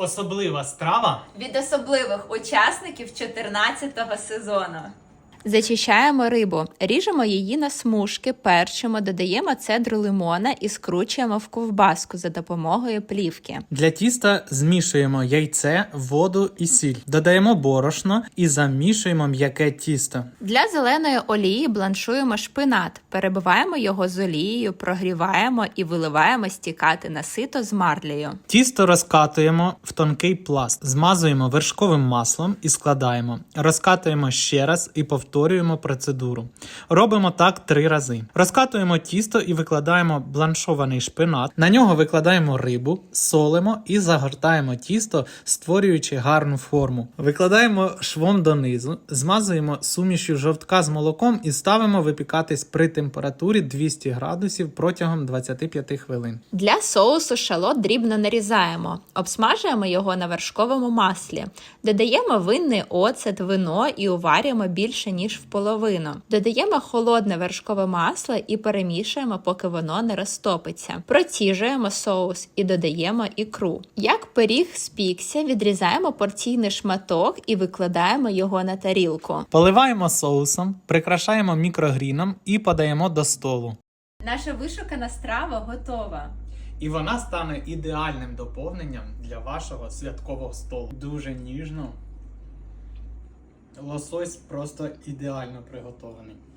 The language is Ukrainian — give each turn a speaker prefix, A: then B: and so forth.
A: Особлива страва
B: від особливих учасників 14-го сезону.
C: Зачищаємо рибу, ріжемо її на смужки, перчимо, додаємо цедру лимона і скручуємо в ковбаску за допомогою плівки.
A: Для тіста змішуємо яйце, воду і сіль. Додаємо борошно і замішуємо м'яке тісто.
C: Для зеленої олії бланшуємо шпинат, перебиваємо його з олією, прогріваємо і виливаємо стікати на сито з марлею.
A: Тісто розкатуємо в тонкий пласт, змазуємо вершковим маслом і складаємо. Розкатуємо ще раз і повторюємо процедуру. Робимо так 3 рази. Розкатуємо тісто і викладаємо бланшований шпинат. На нього викладаємо рибу, солимо і загортаємо тісто, створюючи гарну форму. Викладаємо швом донизу, змазуємо сумішю жовтка з молоком і ставимо випікатись при температурі 200 градусів протягом 25 хвилин.
C: Для соусу шалот дрібно нарізаємо, обсмажуємо його на вершковому маслі, додаємо винний оцет, вино і уварюємо більше ніж в половину. Додаємо холодне вершкове масло і перемішуємо, поки воно не розтопиться. Проціжуємо соус і додаємо ікру. Як пиріг спікся, відрізаємо порційний шматок і викладаємо його на тарілку.
A: Поливаємо соусом, прикрашаємо мікрогріном і подаємо до столу.
B: Наша вишукана страва готова.
A: І вона стане ідеальним доповненням для вашого святкового столу. Дуже ніжно. Лосось просто ідеально приготований.